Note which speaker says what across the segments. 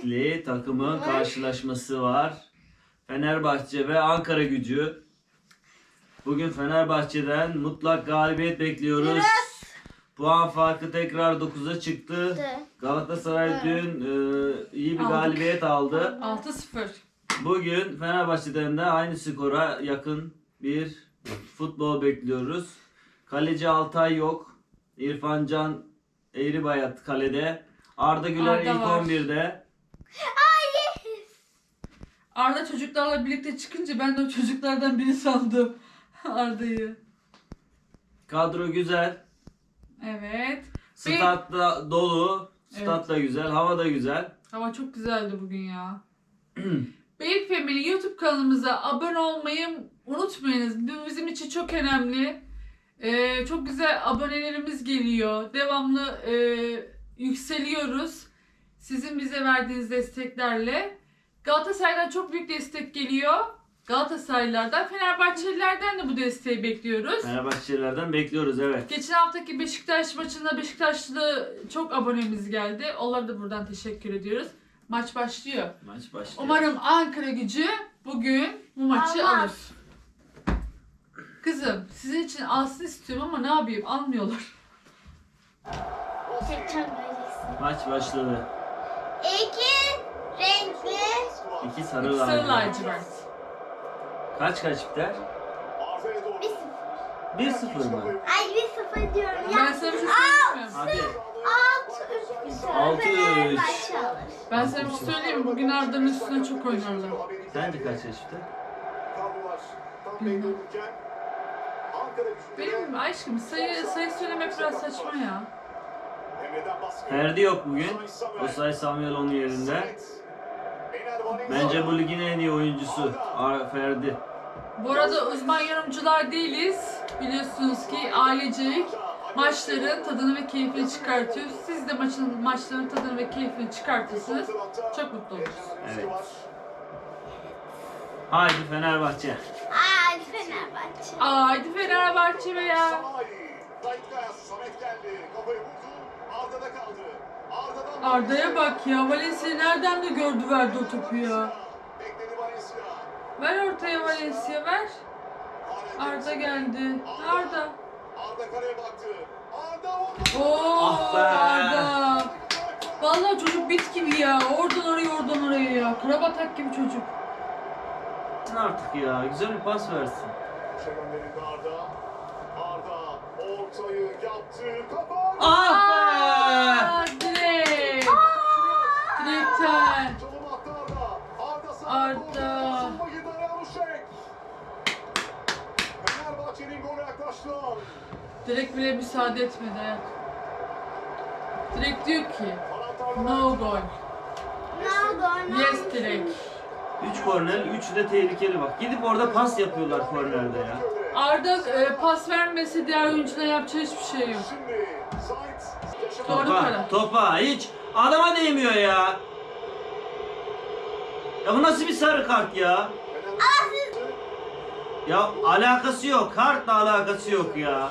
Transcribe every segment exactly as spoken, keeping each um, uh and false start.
Speaker 1: renkli takımın karşılaşması var. Fenerbahçe ve Ankaragücü. Bugün Fenerbahçe'den mutlak galibiyet bekliyoruz.
Speaker 2: Evet.
Speaker 1: Puan farkı tekrar dokuza çıktı.
Speaker 2: Evet.
Speaker 1: Galatasaray
Speaker 2: Evet.
Speaker 1: dün e, iyi bir
Speaker 3: Aldık.
Speaker 1: galibiyet aldı.
Speaker 3: altı sıfır.
Speaker 1: Bugün Fenerbahçe'den de aynı skora yakın bir futbol bekliyoruz. Kaleci Altay yok. İrfan Can Eğribayat kalede. Arda Güler
Speaker 3: Arda
Speaker 1: ilk
Speaker 3: var.
Speaker 1: on birde.
Speaker 3: Arda çocuklarla birlikte çıkınca ben de o çocuklardan biri sandım Arda'yı.
Speaker 1: Kadro güzel.
Speaker 3: Evet.
Speaker 1: Stat da dolu. Stat da güzel. Hava da güzel.
Speaker 3: Hava çok güzeldi bugün ya. Beylik Family YouTube kanalımıza abone olmayı unutmayınız. Bu bizim için çok önemli. Ee, çok güzel abonelerimiz geliyor. Devamlı e, yükseliyoruz. Sizin bize verdiğiniz desteklerle. Galatasaray'dan çok büyük destek geliyor. Galatasaraylılardan, Fenerbahçelilerden de bu desteği bekliyoruz.
Speaker 1: Fenerbahçelilerden bekliyoruz, evet.
Speaker 3: Geçen haftaki Beşiktaş maçında Beşiktaşlı çok abonemiz geldi. Onlara da buradan teşekkür ediyoruz. Maç başlıyor.
Speaker 1: Maç başlıyor.
Speaker 3: Umarım Ankaragücü bugün bu maçı
Speaker 2: Allah.
Speaker 3: alır. Kızım sizin için alsın istiyorum ama ne yapayım, almıyorlar.
Speaker 2: Geçen göreceksin.
Speaker 1: Maç başladı.
Speaker 2: İki renkli.
Speaker 1: İki sarı
Speaker 3: Sarı
Speaker 1: lacivert.
Speaker 3: lacivert.
Speaker 1: Kaç kaç biter?
Speaker 2: Bir sıfır.
Speaker 1: bir sıfır mı?
Speaker 2: Ay bir sıfır diyorum ya.
Speaker 3: Ben sana bir şey söyleyeyim mi?
Speaker 1: Hadi.
Speaker 2: Altı üç biter.
Speaker 1: Altı üç.
Speaker 2: Fenerbahçe alır.
Speaker 3: Ben sana bir şey söyleyeyim mi? Bugün Arda'nın üstüne çok oynarlar.
Speaker 1: Sence kaç yaşta?
Speaker 3: Benim aşkım sayı sayı söylemek biraz saçma ya.
Speaker 1: Ferdi yok bugün. Osay Samuel onun yerinde. Bence bu ligin en iyi oyuncusu Ar- Ferdi.
Speaker 3: Bu arada uzman yorumcular değiliz. Biliyorsunuz ki ailecek maçların tadını ve keyfini çıkartıyoruz. Siz de maçın maçların tadını ve keyfini çıkartırsınız. Çok mutlu oluruz.
Speaker 1: Evet. Haydi Fenerbahçe.
Speaker 2: Ay Fenerbahçe.
Speaker 3: Haydi Fenerbahçe be ya. Arda'ya bak ya. Valencia nereden de gördü verdi o topu ya. Ver ortaya Valencia ver. Arda geldi. Arda.
Speaker 4: Arda kaleye baktı. Arda
Speaker 3: Oo
Speaker 1: Ah be.
Speaker 3: Arda. Vallahi çocuk bit gibi ya. Oradan oraya oradan oraya ya. Karabatak gibi çocuk.
Speaker 1: Artık ya güzel bir pas versin.
Speaker 4: gönderildi Arda. Arda ortayı yaptı. Kafa.
Speaker 1: Ah be!
Speaker 3: Aa, direkt. Direkten.
Speaker 4: Çalım attı Arda. Arda sağ.
Speaker 3: Arda.
Speaker 4: Savunma girdi araya Aluşek. Fenerbahçe'nin golü yaklaştı.
Speaker 3: Direkt bile müsaade etmedi hayat. Direkt diyor ki no goal.
Speaker 2: No go, no.
Speaker 3: Yes direkt.
Speaker 1: üç korner, üçü de tehlikeli bak. Gidip orada pas yapıyorlar kornerde ya.
Speaker 3: Arda e, pas vermese diğer oyunculara yapacağı hiçbir şey yok.
Speaker 4: Şimdi Zayt.
Speaker 3: Doğru
Speaker 1: Topa,
Speaker 3: karar.
Speaker 1: topa hiç adama değmiyor ya. Ya bu nasıl bir sarı kart ya? Ya alakası yok. Kartla alakası yok ya.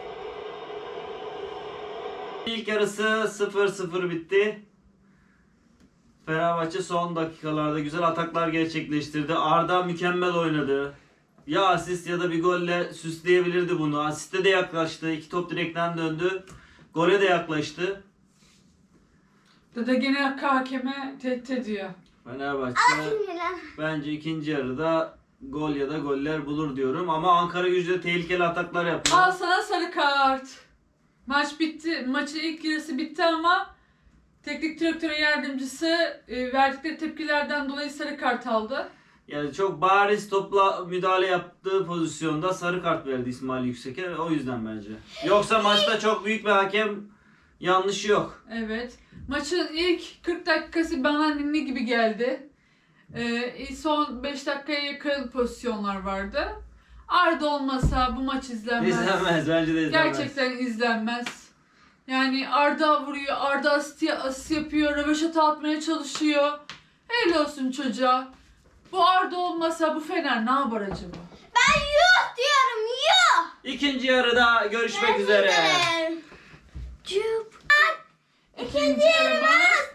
Speaker 1: İlk yarısı sıfır sıfır bitti. Fenerbahçe son dakikalarda güzel ataklar gerçekleştirdi. Arda mükemmel oynadı. Ya asist ya da bir golle süsleyebilirdi bunu. Asiste de yaklaştı. İki top direkten döndü. Gole de yaklaştı.
Speaker 3: Dede gene hakeme tehdit ediyor.
Speaker 1: Fenerbahçe
Speaker 2: Sinirlen.
Speaker 1: bence ikinci yarıda gol ya da goller bulur diyorum. Ama Ankaragücü tehlikeli ataklar yapıyor.
Speaker 3: Al sana sarı kart. Maç bitti. Maçın ilk yarısı bitti ama teknik direktörün yardımcısı e, verdikleri tepkilerden dolayı sarı kart aldı.
Speaker 1: Yani çok bariz topla müdahale yaptığı pozisyonda sarı kart verdi İsmail Yüksek'e. O yüzden bence. Yoksa maçta çok büyük bir hakem yanlışı yok.
Speaker 3: Evet. Maçın ilk kırk dakikası bana ninni gibi geldi. Ee, son beş dakikaya yakın pozisyonlar vardı. Arda olmasa bu maç izlenmez.
Speaker 1: İzlenmez. Bence de izlenmez.
Speaker 3: Gerçekten izlenmez. Yani Arda vuruyor, Arda asist, asist yapıyor, röveşata atmaya çalışıyor. Helal olsun çocuğa. Bu Arda olmasa bu Fener ne yapar acaba?
Speaker 2: Ben yuh diyorum yuh.
Speaker 1: İkinci yarıda görüşmek üzere.
Speaker 2: Cüp.
Speaker 3: İkinci yarımız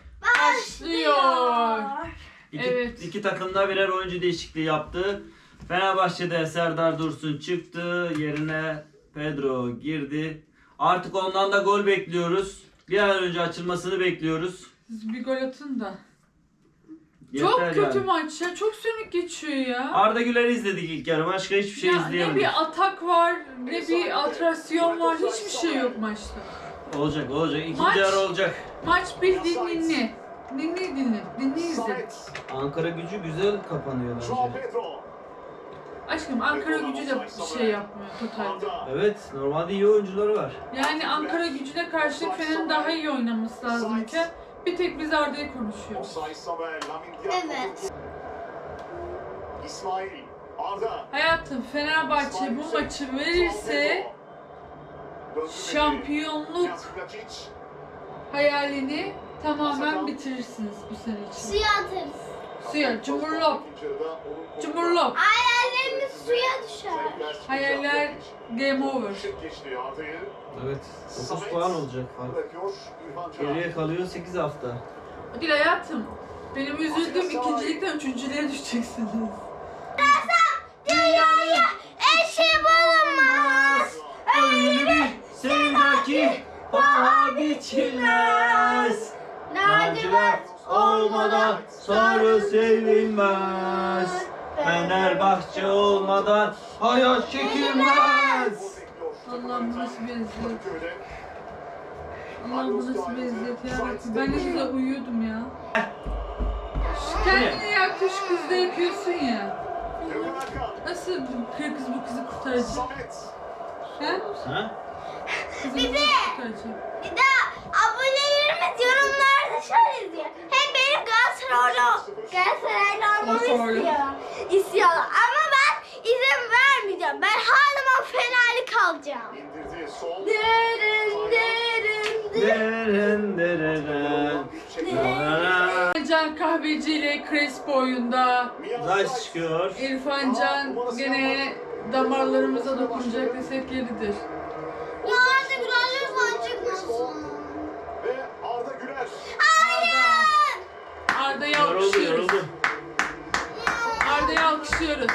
Speaker 3: başlıyor.
Speaker 1: İki,
Speaker 3: Evet.
Speaker 1: iki takım da birer oyuncu değişikliği yaptı. Fenerbahçe'de Serdar Dursun çıktı. Yerine Pedro girdi. Artık ondan da gol bekliyoruz. Bir an önce açılmasını bekliyoruz.
Speaker 3: Siz bir gol atın da.
Speaker 1: Yeter
Speaker 3: Çok kötü
Speaker 1: yani.
Speaker 3: maç ya. Çok sönük geçiyor ya.
Speaker 1: Arda Güler'i izledik ilk yarı. Başka hiçbir şey
Speaker 3: Ya ne
Speaker 1: izleyemedik.
Speaker 3: bir atak var, ne bir atrasyon var. Hiçbir şey yok maçta.
Speaker 1: Olacak olacak. İkinci
Speaker 3: Maç-
Speaker 1: yarı olacak.
Speaker 3: Maç bildiğin ninni. Ninni dinle. Ninni izle.
Speaker 4: Samet.
Speaker 1: Ankara Gücü güzel kapanıyor
Speaker 4: Joao
Speaker 1: bence.
Speaker 4: Pedro.
Speaker 3: Aşkım Ankara Gücü de bir şey yapmıyor totalde.
Speaker 4: Arda.
Speaker 1: Evet, normalde iyi oyuncuları var.
Speaker 3: Yani Ankara Gücü'ne karşı Fener'in daha iyi oynaması lazımken bir tek biz Arda'yı konuşuyoruz.
Speaker 4: Osayi Samuel. Lamine Diallo.
Speaker 2: Evet.
Speaker 4: İsmail. Arda.
Speaker 3: Hayatım Fenerbahçe bu maçı verirse şampiyonluk hayalini tamamen bitirirsiniz bu sene için.
Speaker 2: Suya atarız.
Speaker 3: Suya, cumhurlop. Cumhurlop.
Speaker 2: Hayallerimiz suya düşer.
Speaker 3: Hayaller game over.
Speaker 4: Geçti Arda'yı.
Speaker 1: Evet, dokuz puan olacak fark.
Speaker 4: Bırakıyor İrfan Can.
Speaker 1: Geriye kalıyor sekiz hafta.
Speaker 3: Değil hayatım. Benim üzüldüğüm ikincilikten üçüncülüğe düşeceksiniz.
Speaker 2: Dünyaya eşi bulunmaz.
Speaker 1: Öyle bir sevda ki paha biçilmez. Lacivert olmadan sarı sevilmez. Fenerbahçe olmadan hayat çekilmez.
Speaker 3: Allah'ım bu nasıl bir eziyet. Allah'ım bu nasıl bir eziyet yarabbim. Ben ne güzel uyuyordum ya. Şu kendini yaktı şu kızı da yapıyorsun ya. Nasıl bu kır kız bu kızı kurtaracak?
Speaker 4: Samet.
Speaker 3: He?
Speaker 1: Ha?
Speaker 3: Kızı
Speaker 2: Bir
Speaker 3: bu
Speaker 2: de-
Speaker 3: kızı kurtaracak.
Speaker 2: Bir de abonelerimiz yorumlarda şöyle diyor. Hem benim Galatasaraylı, Galatasaraylı olmamı
Speaker 3: Galatasaraylı.
Speaker 2: istiyor. İstiyorlar. Ama ben izin vermeyeceğim. Ben her zaman Fenerli kalacağım.
Speaker 4: İndirdi sol.
Speaker 2: Derin derin
Speaker 1: Deren
Speaker 2: derin.
Speaker 1: deren.
Speaker 3: Can Kahveci ile Crespo oyunda.
Speaker 1: Zayt çıkıyor.
Speaker 3: İrfan Can gene damarlarımıza dokunacak desek yeridir.
Speaker 2: Ya artık lütfen çıkmasın.
Speaker 4: Ve Arda Güler.
Speaker 2: Hayır.
Speaker 3: Arda'yı
Speaker 1: Yoruldu
Speaker 3: alkışlıyoruz.
Speaker 1: yoruldu.
Speaker 3: Arda'yı alkışlıyoruz.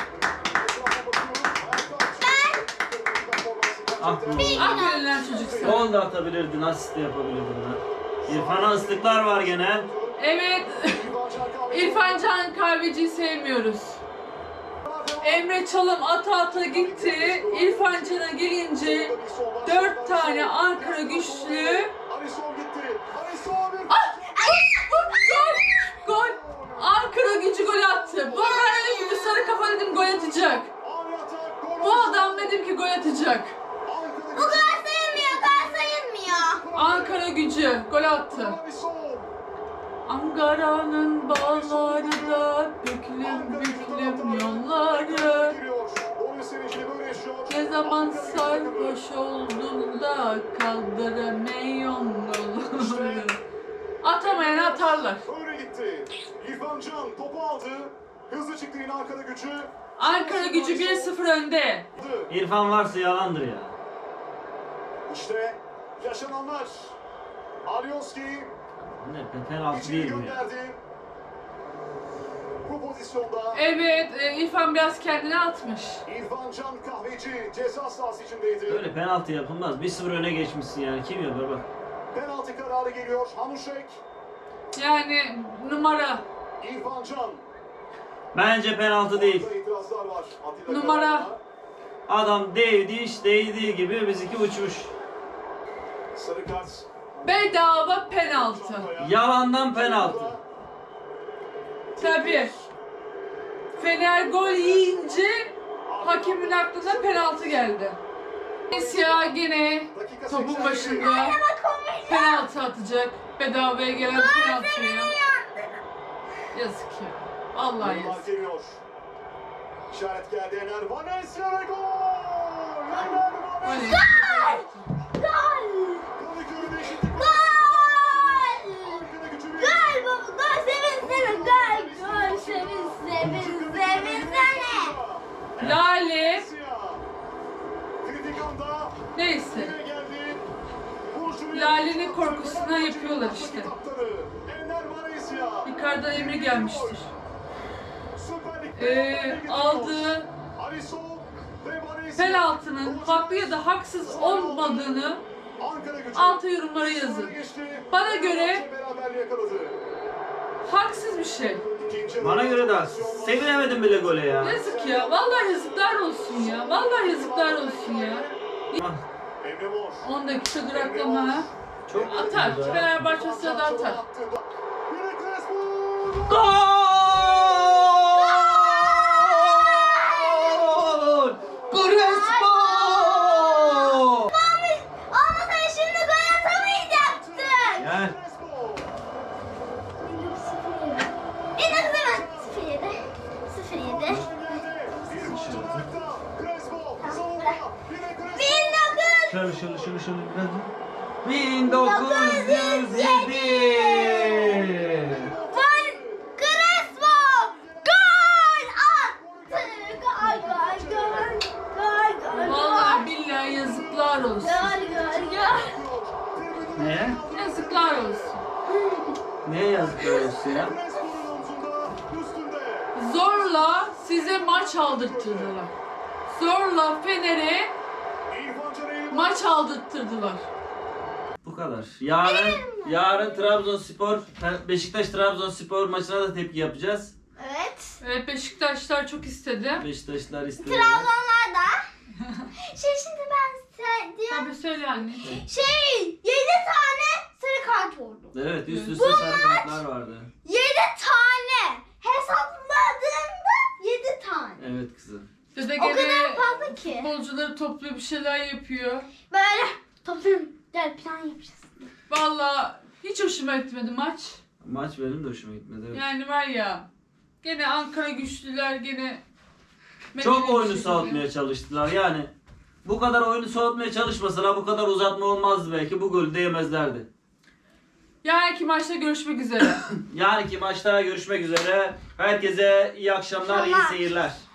Speaker 1: Ah bu.
Speaker 3: Aferin lan çocuk sana.
Speaker 1: Gol da atabilirdin, asist de yapabilirdin ha. İrfan'a ıslıklar var gene.
Speaker 3: Evet. İrfan Can Kahveci'yi sevmiyoruz. Emre Çalım ata ata gitti. İrfan Can'a gelince dört tane Ankara güçlü.
Speaker 4: Alisson gitti. Alisson bir.
Speaker 3: Ah! Gol! Gol! Ankara gücü gol attı. Bu ben dedim ki sarı kafa dedim gol atacak.
Speaker 4: Ani atak. Gol.
Speaker 3: Bu adam dedim ki gol atacak.
Speaker 2: Bu kadar sayılmıyor. Kadar sayılmıyor.
Speaker 3: Ankara gücü gol attı.
Speaker 4: Alisson.
Speaker 3: Ankara'nın bağları da büklüm büklüm yolları.
Speaker 4: Giriyor. Golün sevincini böyle yaşıyor.
Speaker 3: Ne zaman sarhoş olduğunda kaldıramıyorum yolları. Atamayan atarlar.
Speaker 4: Öyle gitti. İrfan Can topu aldı. Hızlı çıktı yine arkada gücü.
Speaker 3: Ankara gücü bir sıfır önde.
Speaker 1: İrfan varsa yalandır ya.
Speaker 4: İşte yaşananlar. Alioski
Speaker 1: Ne penaltı
Speaker 4: içeri
Speaker 1: değil bu ya.
Speaker 4: gönderdi. Bu pozisyonda
Speaker 3: Evet, e, İrfan biraz kendine atmış.
Speaker 4: İrfan Can Kahveci ceza sahası içindeydi.
Speaker 1: Böyle penaltı yapılmaz. bir sıfır öne geçmişsin yani. Kim yapar bak.
Speaker 4: Penaltı kararı geliyor. Hanuşek,
Speaker 3: Yani numara.
Speaker 4: İrfan Can.
Speaker 1: Bence penaltı değil.
Speaker 4: Orada itirazlar var. Atilla
Speaker 3: Numara.
Speaker 4: Karaman'a.
Speaker 1: Adam değdi iş değdiği gibi bizimki uçmuş.
Speaker 4: Sarı kart.
Speaker 3: Bedava penaltı.
Speaker 1: Yalandan penaltı.
Speaker 3: Tabii. Fener gol yiyince hakemin aklına penaltı geldi. Valencia gene topun başında penaltı atacak. Bedavaya gelen penaltıya. Yazık ya. Vallahi
Speaker 4: Bunlar
Speaker 3: yazık.
Speaker 4: geliyor. İşaret geldi Ener Valencia ve gol! Ener Valencia!
Speaker 3: Valencia.
Speaker 2: Gol.
Speaker 4: Kadıköy'de eşitlik var.
Speaker 2: Gol.
Speaker 4: Arkada gücü bir.
Speaker 2: Gol baba. Gol sevinsene. Gol. Gol sevin sevin sevinsene.
Speaker 3: Lale.
Speaker 4: Valencia. Kritik anda
Speaker 3: Neyse.
Speaker 4: yine geldi. Vuruşunu
Speaker 3: Lale'nin
Speaker 4: yaptı.
Speaker 3: korkusuna yapıyorlar işte.
Speaker 4: Kaptanı Ener Valencia.
Speaker 3: Icardi'den emir gelmiştir.
Speaker 4: Süper Lig'de
Speaker 3: Ee, aldığı
Speaker 4: Alisson ve Valencia.
Speaker 3: penaltının haklı ya da haksız olmadığını
Speaker 4: Ankara Gücü.
Speaker 3: alta yorumlara yazın. Bana göre
Speaker 4: Beraberliği yakaladı.
Speaker 3: haksız bir şey.
Speaker 4: İkinci
Speaker 1: Bana göre de haksız. Sevinemedim bile gole ya.
Speaker 3: Yazık ya. Vallahi yazıklar olsun ya. Vallahi yazıklar olsun ya.
Speaker 4: Emre Mor.
Speaker 3: on dakika duraklama.
Speaker 1: Çok
Speaker 3: Atar. Fenerbahçe sırada atar.
Speaker 4: Yine Crespo.
Speaker 1: Gol! Crespo!
Speaker 2: Ama sen şimdi gol atamayacaktın.
Speaker 1: Gel.
Speaker 4: Crespo.
Speaker 2: En azından sıfır yedi. sıfır yedi.
Speaker 4: Bir kontrolakta. Crespo. Savunma. Yine Crespo.
Speaker 2: bin dokuz
Speaker 1: Şöyle şöyle şöyle şöyle biraz. bin dokuz yüz yedi.
Speaker 2: Van Crespo gol attı. Gol gol gol. Gol gol
Speaker 3: Vallahi
Speaker 2: gol.
Speaker 3: billahi yazıklar olsun.
Speaker 2: Gol gol gol.
Speaker 1: Neye?
Speaker 3: Yazıklar olsun.
Speaker 1: Neye yazıklar olsun ya?
Speaker 4: Crespo'nun omzunda. Üstünde.
Speaker 3: Zorla size maç aldırttırdılar. Zorla Fener'e
Speaker 4: İrfan Can Eğilmez.
Speaker 3: maç aldırttırdılar.
Speaker 1: Bu kadar. Yarın yarın Trabzonspor Beşiktaş Trabzonspor maçına da tepki yapacağız.
Speaker 2: Evet.
Speaker 3: Evet, Beşiktaşlar çok istedi.
Speaker 1: Beşiktaşlar istedi.
Speaker 2: Trabzonlar da. Şey şimdi ben size diyorum.
Speaker 3: Tabii söyle anne.
Speaker 2: Şey yedi tane sarı kart oldu.
Speaker 1: Evet, üst üste sarı kartlar vardı.
Speaker 2: Yedi tane. Hesapladığımda yedi tane.
Speaker 1: Evet kızım.
Speaker 3: Dede
Speaker 2: O kadar
Speaker 3: gene
Speaker 2: fazla ki.
Speaker 3: futbolcuları topluyor, bir şeyler yapıyor.
Speaker 2: Böyle toplayalım. Gel plan yapacağız.
Speaker 3: Vallahi hiç hoşuma gitmedi maç.
Speaker 1: Maç benim de hoşuma gitmedi. Evet.
Speaker 3: Yani var ya, gene Ankara güçlüler gene
Speaker 1: Çok
Speaker 3: medeni bir
Speaker 1: oyunu
Speaker 3: şekilde.
Speaker 1: soğutmaya çalıştılar. Yani bu kadar oyunu soğutmaya çalışmasalar bu kadar uzatma olmazdı belki. Bu golü de yemezlerdi.
Speaker 3: Yarınki maçta görüşmek üzere.
Speaker 1: Yarınki maçta görüşmek üzere. Herkese iyi akşamlar, iyi
Speaker 2: Akşamlar.
Speaker 1: seyirler.